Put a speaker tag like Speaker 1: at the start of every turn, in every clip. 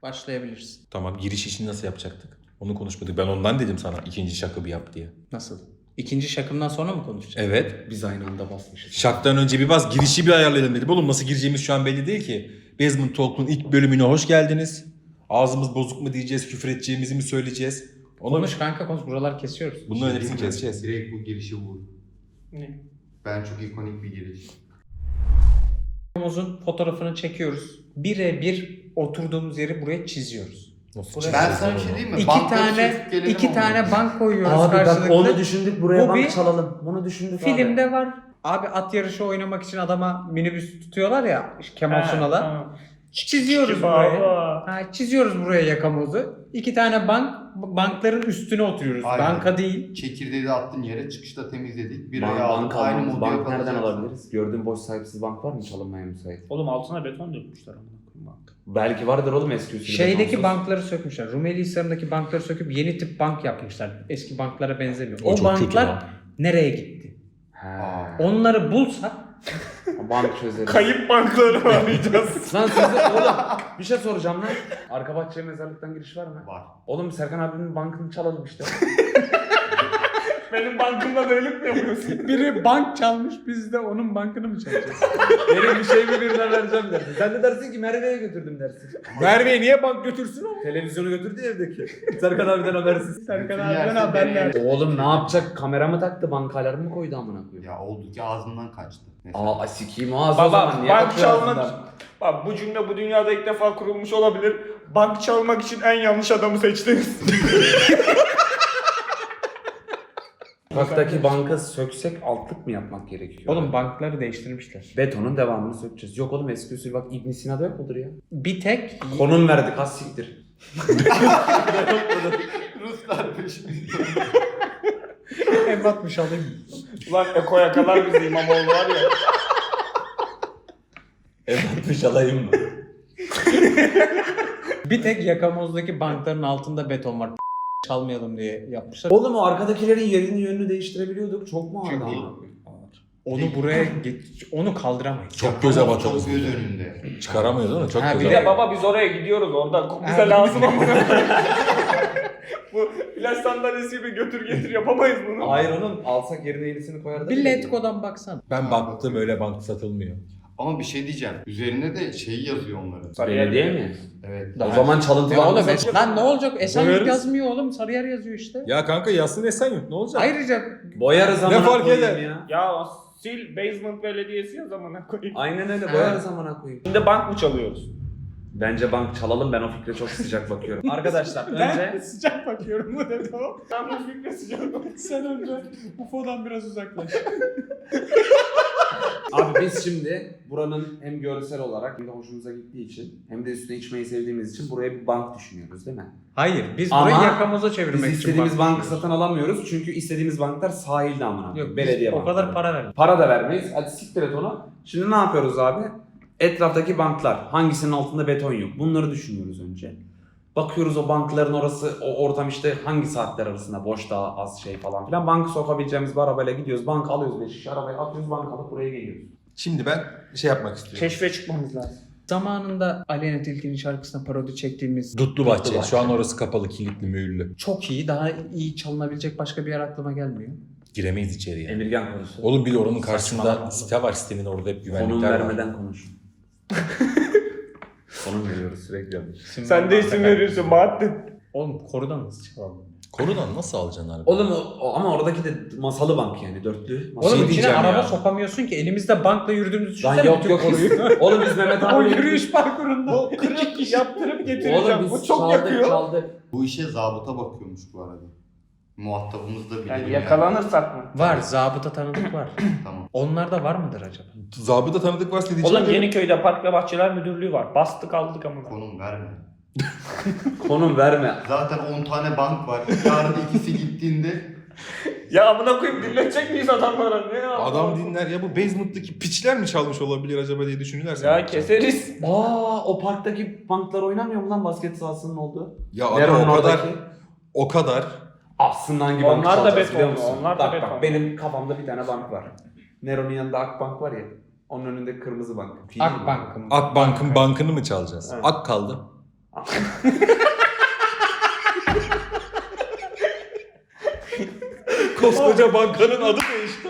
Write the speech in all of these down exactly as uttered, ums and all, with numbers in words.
Speaker 1: Başlayabiliriz.
Speaker 2: Tamam, giriş işini nasıl yapacaktık? Onu konuşmadık. Ben ondan dedim sana ikinci şakı bir yap diye.
Speaker 1: Nasıl? İkinci şakımdan sonra mı konuşacağız?
Speaker 2: Evet.
Speaker 3: Biz aynı anda basmışız.
Speaker 2: Şaktan önce bir bas, girişi bir ayarlayalım dedim. Oğlum nasıl gireceğimiz şu an belli değil ki. Basement Talk'un ilk bölümüne hoş geldiniz. Ağzımız bozuk mu diyeceğiz, küfür edeceğimizi mi söyleyeceğiz? Onu...
Speaker 1: Konuş kanka konuş. Buralar kesiyoruz.
Speaker 2: Bunların hepsini keseceğiz.
Speaker 4: Direkt bu girişi vur.
Speaker 1: Ne?
Speaker 4: Ben çok ikonik bir giriş.
Speaker 1: Omuzun fotoğrafını çekiyoruz. Birebir oturduğumuz yeri buraya çiziyoruz.
Speaker 2: Nasıl
Speaker 1: Ben
Speaker 2: çizeceğiz
Speaker 4: Ben sana bir
Speaker 2: onu?
Speaker 4: şey diyeyim mi?
Speaker 1: İki
Speaker 4: Bankları
Speaker 1: tane
Speaker 4: çekip gelelim
Speaker 1: iki
Speaker 4: onunla.
Speaker 1: tane bank koyuyoruz
Speaker 3: Abi bak
Speaker 1: karşılıklı.
Speaker 3: onu düşündük buraya
Speaker 1: Bu
Speaker 3: bank
Speaker 1: bir
Speaker 3: çalalım. Bunu düşündük abi.
Speaker 1: Filmde var. Abi at yarışı oynamak için adama minibüs tutuyorlar ya Kemal Sunal'a. Çiziyoruz buraya. Ha, çiziyoruz buraya yakamozu. İki tane bank, bankların üstüne oturuyoruz.
Speaker 4: Aynen.
Speaker 1: Banka değil.
Speaker 4: Çekirdeği de attın yere, çıkışta temizledik. Bir
Speaker 3: Bank,
Speaker 4: ay
Speaker 3: bank,
Speaker 4: aldık, aynı
Speaker 3: almamız,
Speaker 4: modu
Speaker 3: bank nereden
Speaker 4: yapacağız.
Speaker 3: alabiliriz? Gördüğün boş sahipsiz bank var mı çalınmaya müsait?
Speaker 5: Oğlum altına beton dökmüşler amına koyayım bank.
Speaker 3: Belki vardır oğlum eski usulü.
Speaker 1: Şeydeki
Speaker 3: betonsuz.
Speaker 1: bankları sökmüşler. Rumeli Hisarı'ndaki bankları söküp yeni tip bank yapmışlar. Eski banklara benzemiyor.
Speaker 2: O
Speaker 1: O,
Speaker 2: çok kötü
Speaker 1: banklar
Speaker 2: lan.
Speaker 1: nereye gitti?
Speaker 3: He.
Speaker 4: Aa.
Speaker 1: Onları bulsak
Speaker 3: Bank çözeriz.
Speaker 5: Kayıp bankları arayacağız.
Speaker 3: Lan size oğlum bir şey soracağım lan. Arka bahçeye mezarlıktan giriş var mı?
Speaker 4: Var.
Speaker 3: Oğlum Serkan abinin bankını çalalım işte.
Speaker 5: Benim bankımda böylelik mi yapıyorsun?
Speaker 1: biri bank çalmış, biz de onun bankını mı çalacağız?
Speaker 3: Benim bir şey mi birine vereceğim dersin. Sen de dersin ki Merve'ye götürdüm dersin.
Speaker 2: Merve'ye niye bank götürsün o?
Speaker 3: Televizyonu götürdü ya evdeki. Serkan abiden habersiz.
Speaker 1: Serkan
Speaker 4: Bütün
Speaker 1: abiden
Speaker 4: yersin
Speaker 1: haberler.
Speaker 4: nereye?
Speaker 3: Oğlum ne yapacak? Kamera mı taktı? Banka alarmı mı koydu amına koyayım?
Speaker 4: Ya oldu ki ağzından kaçtı. Mesela.
Speaker 3: Aa sikiyim ağzı o zaman.
Speaker 5: Baba
Speaker 3: Niye
Speaker 5: bank
Speaker 3: bakıyor
Speaker 5: çalmak...
Speaker 3: ağzından?
Speaker 5: Bak bu cümle bu dünyada ilk defa kurulmuş olabilir. Bank çalmak için en yanlış adamı seçtiniz.
Speaker 3: Sokaktaki banka söksek altlık mı yapmak gerekiyor?
Speaker 1: Oğlum bankları değiştirmişler.
Speaker 3: Betonun devamını sökeceğiz. Yok oğlum eski usul bak İbn Sina'da yok mudur ya?
Speaker 1: Bir tek
Speaker 3: Konum verdik az siktir.
Speaker 4: Ruslar peşimizde.
Speaker 1: ev atmış alayım.
Speaker 5: Ulan Eko yakalar bizi İmamoğlu var ya.
Speaker 3: Evet alayım mı?
Speaker 1: Bir tek yakamozdaki bankların altında beton var. Çalmayalım diye yapmışlar.
Speaker 3: Oğlum o arkadakilerin yerini yönünü değiştirebiliyorduk. Çok mu ağırdı
Speaker 4: Çünkü-
Speaker 3: amına koyayım?
Speaker 1: Onu buraya geç, onu kaldıramayız.
Speaker 2: Çok göze batıyor.
Speaker 4: Çok göz önünde.
Speaker 2: Çıkaramıyoruz değil mi? Çok
Speaker 1: Ha,
Speaker 2: göze
Speaker 1: bir
Speaker 5: Bir
Speaker 1: de
Speaker 5: de baba biz oraya gidiyoruz orada. Bize
Speaker 1: Ha,
Speaker 5: lazım ama. Bu plaj sandalyesi gibi götür getir yapamayız bunu.
Speaker 3: Hayır oğlum alsak yerine yenisini koyardık.
Speaker 1: Bir Letgo'dan baksana.
Speaker 2: Ben baktım öyle bank satılmıyor.
Speaker 4: Ama bir şey diyeceğim. Üzerinde de şeyi yazıyor onların.
Speaker 5: Sarıyer
Speaker 3: Belediye mi?
Speaker 4: Evet.
Speaker 3: O zaman çalıntı
Speaker 1: Ya
Speaker 3: banka
Speaker 1: oğlum
Speaker 3: satıyor.
Speaker 1: es- lan ne olacak? Esenyurt
Speaker 2: Boyarız.
Speaker 1: yazmıyor oğlum. Sarıyer yazıyor işte.
Speaker 2: Ya kanka yazsın Esenyurt ne olacak?
Speaker 1: Ayrıca
Speaker 3: Boyarız amına
Speaker 2: fark
Speaker 3: koyayım
Speaker 2: eder?
Speaker 3: ya.
Speaker 5: Ya sil basement belediyesi yaz amına koyayım.
Speaker 3: Aynen öyle
Speaker 1: Ha.
Speaker 3: boyarız amına koyayım.
Speaker 5: Şimdi bank mı çalıyoruz?
Speaker 3: Bence bank çalalım ben o fikre çok sıcak bakıyorum. Arkadaşlar
Speaker 1: ben
Speaker 3: önce
Speaker 1: sıcak bakıyorum bu dedi o.
Speaker 5: Ben bu fikre sıcak
Speaker 1: Sen önce U F O'dan biraz uzaklaş.
Speaker 3: abi biz şimdi buranın hem görsel olarak hem de hoşumuza gittiği için hem de üstüne içmeyi sevdiğimiz için buraya bir bank düşünüyoruz değil mi?
Speaker 1: Hayır biz
Speaker 3: Ama
Speaker 1: burayı yakamoza çevirmek
Speaker 3: Biz
Speaker 1: için
Speaker 3: istediğimiz
Speaker 1: bank
Speaker 3: bankı
Speaker 1: düşünüyoruz.
Speaker 3: satın alamıyoruz çünkü istediğimiz banklar sahilde amına koyayım.
Speaker 1: Yok
Speaker 3: Belediye
Speaker 1: biz o
Speaker 3: bankları.
Speaker 1: kadar para vermiyoruz.
Speaker 3: Para da vermeyiz. Hadi siktir et onu. Şimdi ne yapıyoruz abi? Etraftaki banklar. Hangisinin altında beton yok? Bunları düşünüyoruz önce. Bakıyoruz o bankların orası, o ortam işte hangi saatler arasında boş daha az şey falan filan. Bankı sokabileceğimiz bir arabayla gidiyoruz. Bank alıyoruz beş şişe arabayı atıyoruz bank alıp buraya geliyoruz.
Speaker 2: Şimdi ben şey yapmak istiyorum.
Speaker 5: Keşfe çıkmamız lazım.
Speaker 1: Zamanında Aleyna Tilki'nin şarkısına parodi çektiğimiz
Speaker 2: Dutlu Bahçe.
Speaker 3: Dutlu Bahçe.
Speaker 2: Şu an orası kapalı, kilitli, mühürlü.
Speaker 1: çok iyi, daha iyi çalınabilecek başka bir yer aklıma gelmiyor.
Speaker 2: Giremeyiz içeriye.
Speaker 3: Emirgan konusu.
Speaker 2: Oğlum bir de oranın karşısında
Speaker 3: Saçmalama.
Speaker 2: site var. Sitenin orada hep
Speaker 3: Konum
Speaker 2: güvenlikler var.
Speaker 3: vermeden konuş. Konum veriyoruz sürekli.
Speaker 1: İsim
Speaker 5: Sen de
Speaker 1: vermem.
Speaker 5: isim veriyorsun Bahattin.
Speaker 1: Oğlum korudan nasıl çalalım?
Speaker 2: Korudan nasıl alacaksın abi?
Speaker 3: Oğlum o, o- ama oradaki de masalı bank yani dörtlü. Masalı.
Speaker 1: Oğlum
Speaker 2: şey
Speaker 1: içine
Speaker 2: diyeceğim
Speaker 1: araba
Speaker 2: ya.
Speaker 1: sokamıyorsun ki. Elimizde bankla yürüdüğümüzü
Speaker 3: Lan
Speaker 1: düşünsene.
Speaker 3: yok
Speaker 1: bütün
Speaker 3: yok.
Speaker 1: koruyu.
Speaker 3: Oğlum biz Mehmet
Speaker 1: O
Speaker 3: abi
Speaker 1: yürüyüş parkurunda.
Speaker 5: Bu kırk kişi yaptırıp getireceğim.
Speaker 3: Oğlum
Speaker 5: Bu
Speaker 3: biz
Speaker 5: çok
Speaker 3: çaldık
Speaker 5: yakıyor.
Speaker 3: çaldık.
Speaker 4: Bu işe zabıta bakıyormuş bu arada. Muhatabımız da bilir.
Speaker 5: Yani yakalanırsak mı?
Speaker 1: Var, zabıta tanıdık var.
Speaker 4: Tamam.
Speaker 1: Onlarda var mıdır acaba?
Speaker 2: Zabıta tanıdık varsa diyeceğim.
Speaker 5: Oğlum
Speaker 2: de-
Speaker 5: Yeniköy'de Park ve Bahçeler Müdürlüğü var. Bastık aldık amına.
Speaker 4: Konum verme.
Speaker 3: Konum verme.
Speaker 4: Zaten on tane bank var. Yarın ikisi gittiğinde
Speaker 5: Ya amına koyayım dinletecek miyiz adamlara? Ne ya?
Speaker 2: Adam dinler ya, bu basement'taki piçler mi çalmış olabilir acaba diye düşünürlerse.
Speaker 5: Ya keseriz.
Speaker 3: Aa o parktaki banklar oynamıyor mu lan basket sahasının olduğu?
Speaker 2: Ya adam
Speaker 3: Nero'nun
Speaker 2: o kadar,
Speaker 3: oradaki.
Speaker 2: o kadar.
Speaker 3: Aslında hangi bankı
Speaker 5: Onlar da
Speaker 3: çalacağız biliyor
Speaker 5: betonlu,
Speaker 3: musun?
Speaker 5: onlar da
Speaker 3: bak,
Speaker 5: betonlu.
Speaker 3: Bak benim kafamda bir tane bank var. Nero'nun yanında Akbank var ya. Onun önünde kırmızı bank. Fili mi?
Speaker 1: Akbank'ın.
Speaker 2: Akbank'ın bankını mı çalacağız?
Speaker 3: Evet.
Speaker 2: Ak kaldı.
Speaker 3: Aa,
Speaker 2: Koskoca bankanın adı değişti.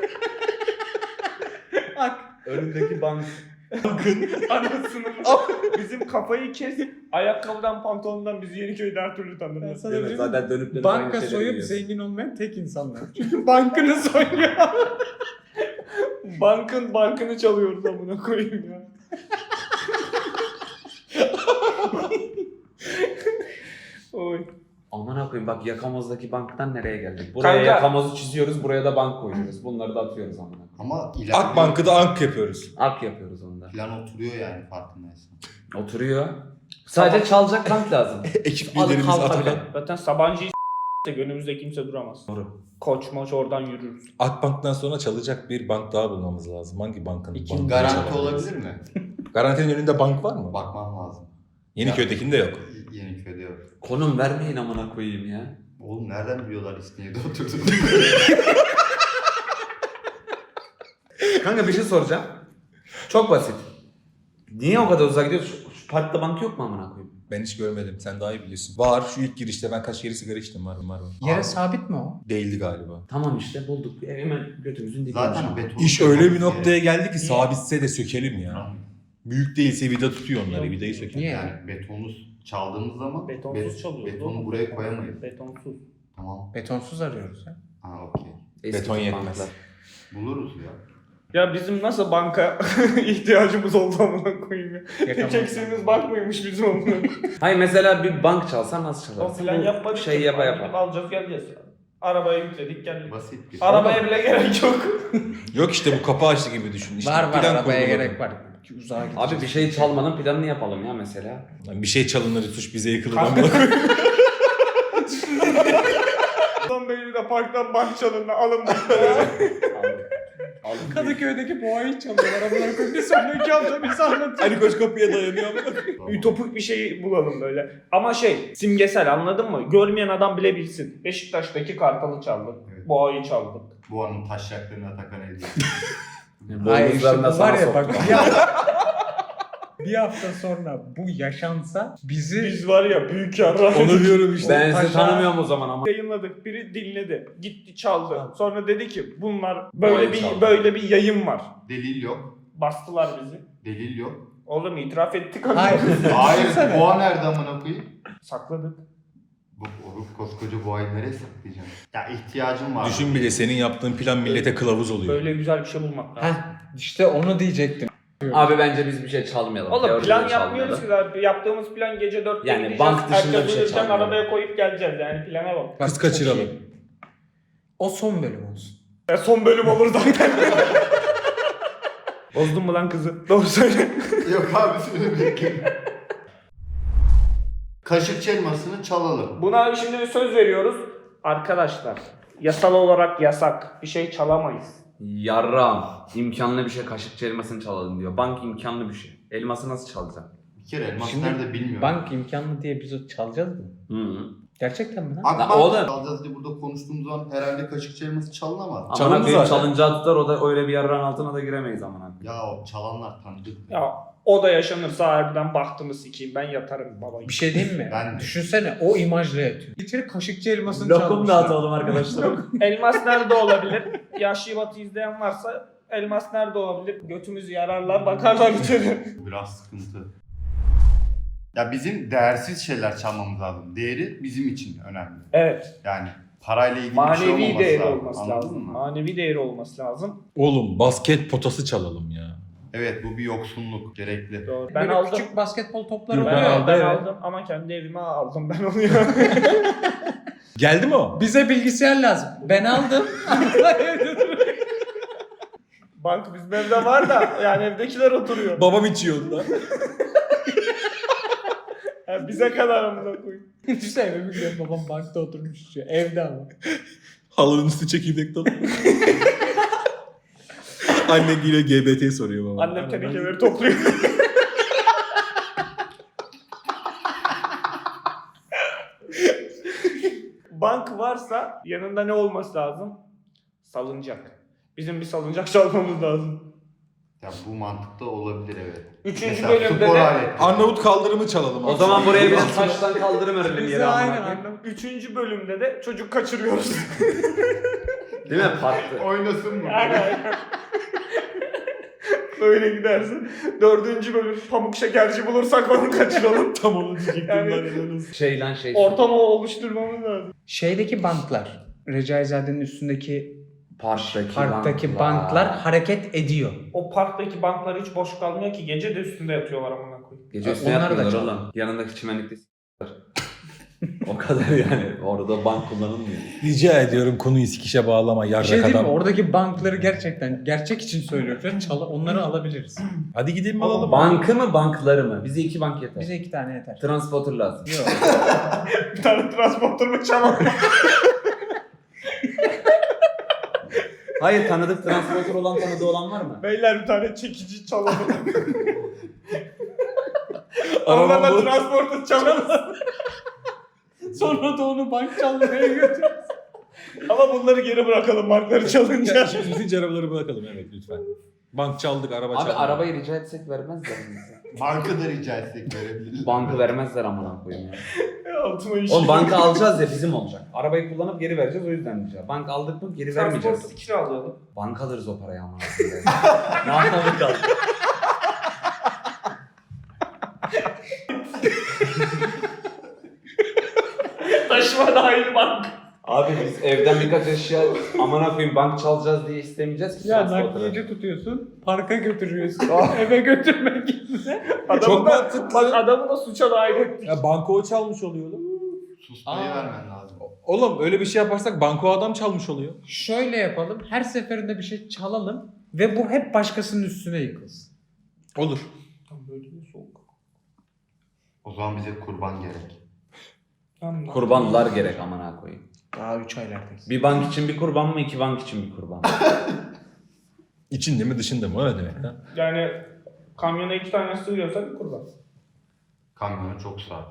Speaker 1: Ak.
Speaker 3: Önündeki bank.
Speaker 5: Anasını. Bizim kafayı kes. Ayakkabıdan pantolondan bizi Yeniköy'de her türlü
Speaker 1: Ben
Speaker 5: tanırlar.
Speaker 1: sana
Speaker 3: Evet,
Speaker 1: bir şey
Speaker 3: zaten
Speaker 1: diyeyim mi?
Speaker 3: dönüp dönüp
Speaker 1: Banka
Speaker 3: aynı şeyleri
Speaker 1: soyup
Speaker 3: yiyorsun.
Speaker 1: zengin olmayan tek insanlar. Çünkü bankını soyuyor.
Speaker 5: Bankın bankını çalıyoruz amına koyayım ya. Oy.
Speaker 3: Aman koyayım bak yakamozdaki banktan nereye geldik? Buraya
Speaker 5: Kanka.
Speaker 3: yakamozu çiziyoruz, buraya da bank koyuyoruz. Bunları da atıyoruz amına koyayım.
Speaker 4: Ama ileride
Speaker 2: Akbank'ı da Ank yapıyoruz.
Speaker 3: Ak yapıyoruz onda.
Speaker 4: plan oturuyor yani farkındaysan.
Speaker 3: Oturuyor. Sadece çalacak bank lazım.
Speaker 2: Ekip
Speaker 3: Alıp
Speaker 2: liderimiz
Speaker 3: kalk
Speaker 2: Atakan.
Speaker 3: hadi.
Speaker 5: Zaten Sabancı'yı s**sek önümüzde kimse duramaz.
Speaker 3: Doğru.
Speaker 5: Koç moç oradan yürürüz.
Speaker 2: Akbank'tan sonra çalacak bir bank daha bulmamız lazım. Hangi bankın?
Speaker 3: İkinci
Speaker 2: bankını
Speaker 4: Garanti
Speaker 2: çalabiliriz?
Speaker 4: olabilir mi?
Speaker 2: Garantinin önünde bank var mı?
Speaker 4: Bakmam lazım.
Speaker 2: Yeniköy'dekinde yok.
Speaker 4: Yeniköy'de yok.
Speaker 3: Konum vermeyin amına koyayım ya.
Speaker 4: Oğlum nereden biliyorlar İstinye'de oturduğunu?
Speaker 3: Kanka bir şey soracağım. Çok basit. Niye o kadar uzağa gidiyoruz? Şu, şu parkta bank yok mu amına koyayım?
Speaker 2: Ben hiç görmedim. Sen daha iyi biliyorsun. Var şu ilk girişte ben kaç kere sigara içtim var var var.
Speaker 1: Yere
Speaker 4: Abi.
Speaker 1: sabit mi o?
Speaker 2: Değildi galiba.
Speaker 3: Tamam işte bulduk. E, Hemen götümüzün dibiymiş
Speaker 4: Zaten
Speaker 3: ama.
Speaker 4: beton.
Speaker 2: İş öyle bir noktaya geldi ki sabitse de sökelim ya.
Speaker 4: Yani,
Speaker 2: Büyük değilse vida tutuyor onları. Vidayı sökelim.
Speaker 1: Niye?
Speaker 4: yani betonu çaldığımız zaman
Speaker 5: Betonsuz
Speaker 4: bet-
Speaker 5: çalıyoruz.
Speaker 4: betonu
Speaker 5: oğlum.
Speaker 4: buraya koyamayız.
Speaker 5: Betonsuz.
Speaker 4: Tamam.
Speaker 1: Betonsuz arıyoruz ya.
Speaker 4: Ha okey.
Speaker 3: Eski
Speaker 2: Beton
Speaker 3: tip
Speaker 2: yetmez.
Speaker 3: banklar.
Speaker 4: Buluruz ya.
Speaker 5: Ya bizim nasıl banka ihtiyacımız oldu amına koyayım ya. Tek
Speaker 1: Yakamoz.
Speaker 5: eksiğimiz bank mıymış bizim amına koyayım.
Speaker 3: Hayır mesela bir bank çalsan nasıl
Speaker 5: O
Speaker 3: çalarsın?
Speaker 5: plan
Speaker 3: Bu
Speaker 5: yapmadık
Speaker 3: Şey
Speaker 5: ki.
Speaker 3: yapa
Speaker 5: Gidip
Speaker 3: yapa.
Speaker 5: alacağız geleceğiz. Arabaya yükledik geldik.
Speaker 4: Basit bir
Speaker 5: Arabaya bile gerek yok.
Speaker 2: Yok işte bu kapı açtı gibi düşün. İşte
Speaker 1: var var
Speaker 2: plan
Speaker 1: arabaya
Speaker 2: kurguladım.
Speaker 1: gerek var. Ki uzağa gideceğiz.
Speaker 3: Abi bir şey çalmanın planını yapalım ya mesela.
Speaker 2: Yani bir şey çalınır suç bize yıkılır.
Speaker 5: Kanka.
Speaker 2: ama-
Speaker 5: Son beni de parktan bank çalındı alın bankları.
Speaker 3: Alın.
Speaker 1: Kadıköy'deki boğayı çalıyorlar. Amına koyayım. Bir sonraki hafta bize anlatıyor.
Speaker 2: Ali Koç kapıya dayanıyor ama.
Speaker 4: Tamam.
Speaker 5: Ütopik bir şey bulalım böyle. Ama şey simgesel anladın mı? Görmeyen adam bile bilsin. Beşiktaş'taki Kartal'ı çaldık.
Speaker 4: Evet.
Speaker 5: Boğayı çaldık.
Speaker 4: Bu anın taşacaklarını Atakan ediyor.
Speaker 1: Hayır işte
Speaker 3: Boynuzlarına
Speaker 1: bu var
Speaker 3: sana
Speaker 1: ya bak
Speaker 3: soktum.
Speaker 1: bir hafta, bir hafta sonra bu yaşansa bizi
Speaker 5: Biz var ya büyük yarra.
Speaker 2: Onu diyorum işte.
Speaker 3: Ben sizi
Speaker 1: Taşa-
Speaker 3: tanımıyorum o zaman ama.
Speaker 5: Yayınladık. Biri dinledi. Gitti çaldı. Sonra dedi ki bunlar böyle
Speaker 3: Boğayı
Speaker 5: bir
Speaker 3: çaldı.
Speaker 5: böyle bir yayın var.
Speaker 4: Delil yok.
Speaker 5: Bastılar bizi.
Speaker 4: Delil yok.
Speaker 5: Oğlum itiraf ettik.
Speaker 1: Hayır.
Speaker 4: Hayır
Speaker 1: Düşünsene.
Speaker 4: boğa nerede amına koyayım?
Speaker 5: Sakladık.
Speaker 4: Bu oğlum koskoca boğayı nereye saklayacaksın? Ya ihtiyacım var.
Speaker 2: Düşün bile senin yaptığın plan millete kılavuz oluyor.
Speaker 5: Böyle güzel bir şey bulmak lazım.
Speaker 1: Heh, işte onu diyecektim.
Speaker 3: Abi bence biz bir şey çalmayalım.
Speaker 5: Oğlum
Speaker 3: Teoride
Speaker 5: plan
Speaker 3: çalmayalım.
Speaker 5: yapmıyoruz ki zaten. Yaptığımız plan gece dörtte
Speaker 3: Yani
Speaker 5: gideceğiz.
Speaker 3: bank dışında
Speaker 5: erkek
Speaker 3: bir şey
Speaker 5: uyurken
Speaker 3: çalmayalım.
Speaker 5: arabaya koyup geleceğiz yani plana bak.
Speaker 1: Bak,
Speaker 2: Kız
Speaker 1: çok
Speaker 2: kaçıralım.
Speaker 1: iyi. O son bölüm olsun.
Speaker 5: Ya son bölüm olur zaten. Bozdun mu lan kızı? Doğru söyle.
Speaker 4: Yok abi söyle bekle. Kaşık elmasını çalalım.
Speaker 5: Buna şimdi bir söz veriyoruz. Arkadaşlar yasal olarak yasak. Bir şey çalamayız.
Speaker 3: Yarram. İmkanlı bir şey kaşıkçı elmasını çalalım diyor. Bank imkanlı bir şey. Elması nasıl çalacaksın?
Speaker 4: Bir kere elmas
Speaker 1: Şimdi
Speaker 4: nerede bilmiyorum.
Speaker 1: Bank imkanlı diye biz o çalacağız mı?
Speaker 3: Hı hı.
Speaker 1: Gerçekten mi lan?
Speaker 4: Akbank
Speaker 3: Lan oğlum.
Speaker 4: çalacağız diye burada konuştuğumuz zaman herhalde kaşıkçı elması çalınamaz.
Speaker 3: Aman
Speaker 2: Çalındı
Speaker 3: koyayım
Speaker 2: zaten.
Speaker 3: çalıncağı tutar o da öyle bir yarrağın altına da giremeyiz aman abi.
Speaker 4: Ya o çalanlar tanıdık.
Speaker 5: Ya o da yaşanırsa harbiden bahtımı sikeyim. Ben yatarım baba.
Speaker 1: Bir şey diyeyim mi?
Speaker 4: Ben de.
Speaker 1: Düşünsene o imajla yatıyor. İçeri kaşıkçı elmasını çalmışlar.
Speaker 3: arkadaşlar.
Speaker 5: Elmas nerede olabilir? Yaşlı Batı izleyen varsa elmas nerede olabilir? Götümüzü yararlar bakarlar içeri.
Speaker 4: Biraz sıkıntı. Ya bizim değersiz şeyler çalmamız lazım. Değeri bizim için önemli.
Speaker 5: Evet.
Speaker 4: Yani parayla ilgili bir şey
Speaker 5: Manevi
Speaker 4: olmaması
Speaker 5: değeri
Speaker 4: lazım.
Speaker 5: olması
Speaker 4: Anladın
Speaker 5: lazım.
Speaker 4: mı?
Speaker 5: Manevi değeri olması lazım.
Speaker 2: Oğlum basket potası çalalım ya.
Speaker 4: Evet bu bir yoksunluk gerekli.
Speaker 5: Doğru. Ben
Speaker 1: Böyle
Speaker 5: aldım.
Speaker 1: küçük basketbol topları
Speaker 2: Yok,
Speaker 5: Ben,
Speaker 1: oluyor.
Speaker 2: ben
Speaker 1: ya.
Speaker 5: aldım, ben
Speaker 2: evet.
Speaker 5: aldım ama kendi evime aldım ben onu ya.
Speaker 2: Geldi mi o?
Speaker 1: Bize bilgisayar lazım. Ben aldım.
Speaker 5: Bank bizim evde var da yani evdekiler oturuyor.
Speaker 2: Babam içiyordu da.
Speaker 5: Yani bize kadar amına koyayım.
Speaker 1: Düşünsene eve gidiyor babam bankta oturmuş içiyor. Evde ama.
Speaker 2: Halının üstü çekirdek dolu. Anne geliyor G B T soruyor baba.
Speaker 5: Annem tenekeleri topluyor. Bank varsa yanında ne olması lazım? Salıncak. Bizim bir salıncak çalmamız lazım.
Speaker 4: Ya bu mantıkta olabilir evet.
Speaker 5: Üçüncü
Speaker 4: Mesela
Speaker 5: bölümde
Speaker 4: spor
Speaker 5: de
Speaker 4: aleti.
Speaker 2: Arnavut kaldırımı çalalım.
Speaker 3: O zaman buraya bir de taştan kaldırım örelim
Speaker 1: Bize
Speaker 3: yere amına
Speaker 1: aynen
Speaker 3: koyayım.
Speaker 1: anlam.
Speaker 5: Üçüncü bölümde de çocuk kaçırıyoruz.
Speaker 3: Değil mi? Parkta.
Speaker 4: Oynasın mı?
Speaker 5: Aynen aynen. Böyle gidersin. Dördüncü bölüm pamuk şekerci bulursak onu kaçıralım.
Speaker 2: Tam onu diyecektim
Speaker 5: Yani-
Speaker 2: ben.
Speaker 3: Şey lan şey.
Speaker 5: Ortamı oluşturmamız lazım.
Speaker 1: Şeydeki banklar, Recaizade'nin üstündeki
Speaker 3: Parktaki,
Speaker 1: parktaki banklar hareket ediyor.
Speaker 5: O parktaki banklar hiç boş kalmıyor ki. Gece de üstünde yatıyorlar amına koyayım.
Speaker 3: Gece üstüne
Speaker 1: Onlar da
Speaker 3: yatmıyorlar
Speaker 1: çalıyor.
Speaker 3: oğlum. Yanındaki çimenlikte s**ler. O kadar yani. Orada bank kullanılmıyor.
Speaker 2: Rica ediyorum konuyu sikişe bağlama
Speaker 1: Bir şey
Speaker 2: yarrak
Speaker 1: diyeyim mi?
Speaker 2: adam.
Speaker 1: Oradaki bankları gerçekten gerçek için söylüyorum. Şu an çal- onları alabiliriz.
Speaker 2: Hadi gidelim alalım.
Speaker 3: Bankı mı bankları mı? Bize iki bank yeter.
Speaker 1: Bize iki tane yeter.
Speaker 3: Transporter lazım.
Speaker 1: Yok.
Speaker 5: Bir tane transporter mı çalalım?
Speaker 3: Hayır tanıdık transporter olan tanıdığı olan var mı?
Speaker 5: Beyler bir tane çekici çalalım.
Speaker 2: Arabam
Speaker 5: Onlarla
Speaker 2: bu.
Speaker 5: transporter çalalım.
Speaker 1: Sonra da onu bank çalmaya götür.
Speaker 5: Ama bunları geri bırakalım bankları çalınca.
Speaker 2: Şimdi bitince arabaları bırakalım evet lütfen. Bank çaldık, araba çaldık.
Speaker 3: Abi arabayı rica etsek vermezler bize.
Speaker 4: Banka da rica etsek verebilirler.
Speaker 3: Bankı vermezler amına koyayım ya.
Speaker 5: Altıma işi.
Speaker 3: Oğlum banka alacağız ya bizim olacak. Arabayı kullanıp geri vereceğiz o yüzden diyeceğim. Bank aldık mı geri vermeyeceğiz.
Speaker 5: Transporter kiralayalım.
Speaker 3: Bank alırız o parayı amına koyayım. Ne anlamı kaldı?
Speaker 5: Taşıma dahil bank.
Speaker 3: Abi biz evden birkaç eşya amına koyayım bank çalacağız diye istemeyeceğiz ki.
Speaker 1: Ya
Speaker 3: transporter'ı.
Speaker 1: nakliyeci tutuyorsun, parka götürüyorsun. Eve götürmek yerine.
Speaker 5: Adamı
Speaker 2: Çok
Speaker 5: da,
Speaker 2: mantıklı.
Speaker 5: Bak adamı da suça dahil ettik.
Speaker 2: Ya banko o çalmış oluyor oğlum.
Speaker 4: Susmayı
Speaker 1: Aa.
Speaker 4: vermen lazım.
Speaker 2: Oğlum öyle bir şey yaparsak banko adam çalmış oluyor.
Speaker 1: Şöyle yapalım, her seferinde bir şey çalalım ve bu hep başkasının üstüne yıkılsın.
Speaker 2: Olur.
Speaker 5: Böyle bir soğuk.
Speaker 4: O zaman bize kurban gerek.
Speaker 3: Kurbanlar gerek amına koyayım.
Speaker 1: Daha üç aylardayız.
Speaker 3: Bir bank için bir kurban mı iki bank için bir kurban mı?
Speaker 2: İçinde mi dışında mı o ne demek lan?
Speaker 5: Yani kamyona iki tane sığıyorsa bir kurban.
Speaker 4: Kamyonu çok sağ.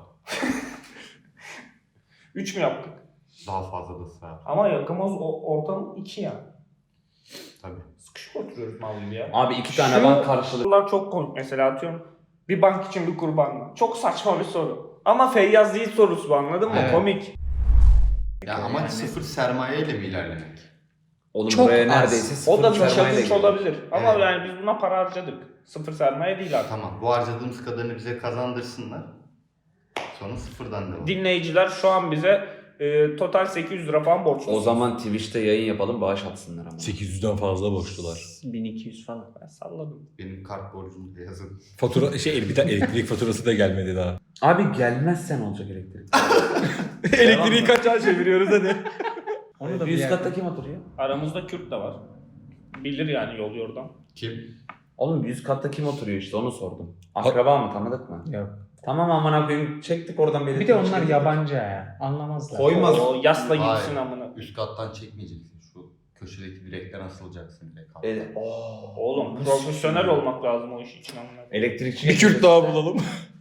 Speaker 5: Üç mü yaptık?
Speaker 4: Daha fazla da sağ.
Speaker 5: Ama yakımız o ortam iki ya.
Speaker 4: Tabii.
Speaker 5: Sıkışık oturuyoruz mal gibi ya.
Speaker 3: Abi iki tane
Speaker 5: Şu-
Speaker 3: bank karşılığı.
Speaker 5: Sorular çok komik mesela atıyorum. Bir bank için bir kurban mı? Çok saçma bir soru. Ama Feyyaz değil sorusu bu anladın mı?
Speaker 1: Evet.
Speaker 5: Komik.
Speaker 4: Ya amaç sıfır sermayeyle mi ilerlemek?
Speaker 3: Oğlum
Speaker 1: Çok
Speaker 3: buraya
Speaker 1: az.
Speaker 3: neredeyse sıfır
Speaker 5: O da bir
Speaker 3: sermayeyle
Speaker 5: challenge
Speaker 3: gidiyor.
Speaker 5: olabilir. Ama
Speaker 4: Evet.
Speaker 5: yani biz buna para harcadık. Sıfır sermaye değil artık.
Speaker 4: Tamam bu harcadığımız kadarını bize kazandırsınlar. Sonra sıfırdan devam.
Speaker 5: Dinleyiciler şu an bize e, total sekiz yüz lira falan borçlu.
Speaker 3: O zaman Twitch'te yayın yapalım bağış atsınlar ama.
Speaker 2: sekiz yüzden fazla borçlular.
Speaker 1: bin iki yüz falan.
Speaker 5: Ben salladım.
Speaker 4: Benim kart borcumu da yazın.
Speaker 2: Fatura şey bir tane elektrik faturası da gelmedi daha.
Speaker 3: Abi gelmezsen olacak elektrik.
Speaker 2: Elektriği kaç ay çeviriyoruz hadi.
Speaker 1: Onu da
Speaker 3: Bir
Speaker 1: bir
Speaker 3: üst
Speaker 1: yerde-
Speaker 3: katta kim oturuyor?
Speaker 5: Aramızda Kürt de var. Bilir yani yol yordan.
Speaker 4: Kim?
Speaker 3: Oğlum bir üst katta kim oturuyor işte onu sordum. Akraba mı tanıdık mı?
Speaker 1: Yok.
Speaker 3: Tamam amına koyayım çektik oradan belirttik.
Speaker 1: Bir de onlar yabancı ya. Anlamazlar.
Speaker 4: Koymaz.
Speaker 5: O yasla
Speaker 4: Hayır.
Speaker 5: gitsin amına.
Speaker 4: Üst kattan çekmeyeceksin. Şu köşedeki direkten asılacaksın direkt.
Speaker 3: Evet.
Speaker 5: Oğlum profesyonel olmak lazım o iş için amına.
Speaker 3: Elektrikçi.
Speaker 2: Bir Kürt daha bulalım.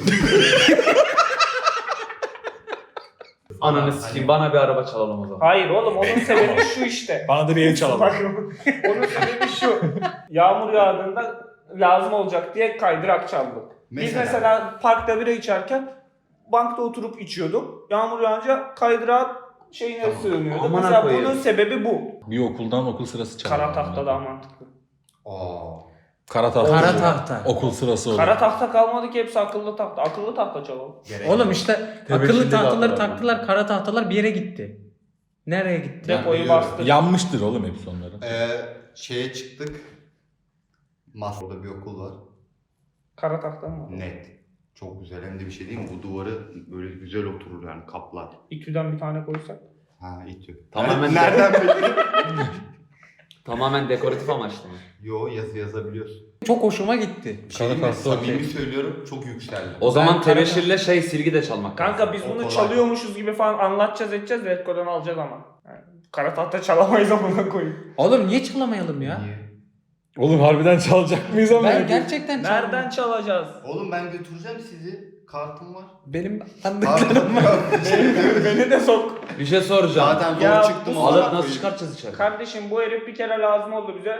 Speaker 3: Ananı sikeyim bana bir araba çalalım o zaman.
Speaker 5: Hayır oğlum onun sebebi şu işte.
Speaker 2: Bana da bir ev çalalım.
Speaker 5: Bak, onun sebebi şu. Yağmur yağdığında lazım olacak diye kaydırak çaldık. Biz
Speaker 4: Mesela?
Speaker 5: mesela parkta bira içerken bankta oturup içiyordum. Yağmur yağınca kaydırak şeyine
Speaker 4: Tamam.
Speaker 5: sığınıyorduk.
Speaker 3: Aman
Speaker 5: Mesela
Speaker 3: koyayım.
Speaker 5: bunun sebebi bu.
Speaker 2: Bir okuldan okul sırası çalalım.
Speaker 5: Kara tahta daha mantıklı.
Speaker 4: Aa.
Speaker 2: Kara tahta.
Speaker 1: Kara
Speaker 2: olur.
Speaker 1: tahta.
Speaker 2: Okul sırası olur.
Speaker 5: Kara tahta kalmadı ki hepsi akıllı tahta. Akıllı tahta çalalım.
Speaker 4: Gerek
Speaker 1: Oğlum
Speaker 4: yok.
Speaker 1: işte
Speaker 3: Tebeşirli
Speaker 1: akıllı tahtaları
Speaker 3: tahtalar
Speaker 1: taktılar, kara tahtalar bir yere gitti. Nereye gitti?
Speaker 5: Depoyu
Speaker 4: biliyorum.
Speaker 5: bastı.
Speaker 2: Yanmıştır oğlum hepsi onların.
Speaker 4: Ee, şeye çıktık. Masada bir okul var.
Speaker 5: Kara tahta mı var?
Speaker 4: Net. Çok güzel. Hem de bir şey değil mi? Bu duvarı böyle güzel oturur yani kaplar.
Speaker 5: İTÜ'den bir tane koysak.
Speaker 4: Ha itiyor.
Speaker 3: Tamamen-
Speaker 4: Nereden bildin?
Speaker 3: Tamamen dekoratif amaçlı mı?
Speaker 4: Yo yazı yazabiliyorsun.
Speaker 1: Çok hoşuma gitti.
Speaker 4: Bir şey
Speaker 2: Kara
Speaker 4: diyeyim mi?
Speaker 2: tahta okey.
Speaker 4: Samimi söylüyorum çok yükseldi.
Speaker 3: O zaman
Speaker 1: Ben-
Speaker 3: tebeşirle şey silgi de çalmak
Speaker 5: Kanka
Speaker 3: lazım.
Speaker 5: biz
Speaker 4: O
Speaker 5: bunu
Speaker 4: kolay.
Speaker 5: çalıyormuşuz gibi falan anlatacağız edeceğiz de Redco'dan alacağız ama. Yani kara tahta çalamayız amına koyayım.
Speaker 1: Oğlum niye çalamayalım ya?
Speaker 4: Niye?
Speaker 2: Oğlum harbiden çalacak mıyız ama?
Speaker 1: Ben gerçekten
Speaker 5: Nereden çalacağız?
Speaker 4: Oğlum ben götüreceğim sizi. Kartım var.
Speaker 1: Benim
Speaker 4: Kartım
Speaker 1: tanıdıklarım var.
Speaker 4: yok.
Speaker 5: Beni de sok.
Speaker 3: Bir şey soracağım.
Speaker 4: Zaten zor
Speaker 5: Ya
Speaker 4: çıktım.
Speaker 5: bu-
Speaker 4: ona
Speaker 3: Alıp nasıl
Speaker 4: koyayım.
Speaker 3: çıkartacağız içeri?
Speaker 5: Kardeşim bu herif bir kere lazım oldu bize.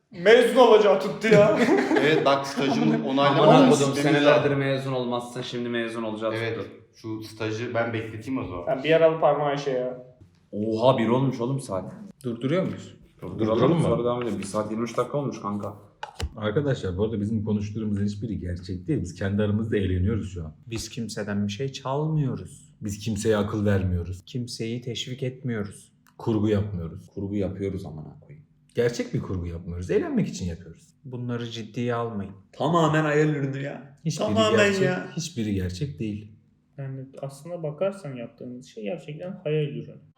Speaker 5: Mezun olacağı tuttu ya.
Speaker 4: Evet bak stajımı
Speaker 3: Aman
Speaker 4: onaylamadan
Speaker 3: okudum senelerdir mezun olmazsın şimdi mezun olacağız.
Speaker 4: Evet şu stajı ben bekleteyim o zaman.
Speaker 5: Sen bir yaralı parmağı şey ya.
Speaker 3: Oha bir olmuş oğlum saat.
Speaker 1: Durduruyor muyuz?
Speaker 2: Durduralım mı?
Speaker 3: Sonra devam edelim. bir saat yirmi üç dakika olmuş kanka.
Speaker 2: Arkadaşlar bu arada bizim konuştuğumuzun hiçbiri gerçek değil. Biz kendi aramızda eğleniyoruz şu an.
Speaker 1: Biz kimseden bir şey çalmıyoruz.
Speaker 2: Biz kimseye akıl vermiyoruz.
Speaker 1: Kimseyi teşvik etmiyoruz.
Speaker 2: Kurgu yapmıyoruz.
Speaker 3: Kurgu yapıyoruz amına koyayım.
Speaker 2: Gerçek bir kurgu yapmıyoruz. Eğlenmek için yapıyoruz.
Speaker 1: Bunları ciddiye almayın.
Speaker 3: Tamamen hayal ürünü ya.
Speaker 2: Hiçbiri
Speaker 3: Tamamen
Speaker 2: gerçek,
Speaker 3: ya.
Speaker 2: hiçbiri gerçek değil.
Speaker 5: Yani aslında bakarsan yaptığımız şey gerçekten hayal ürünü.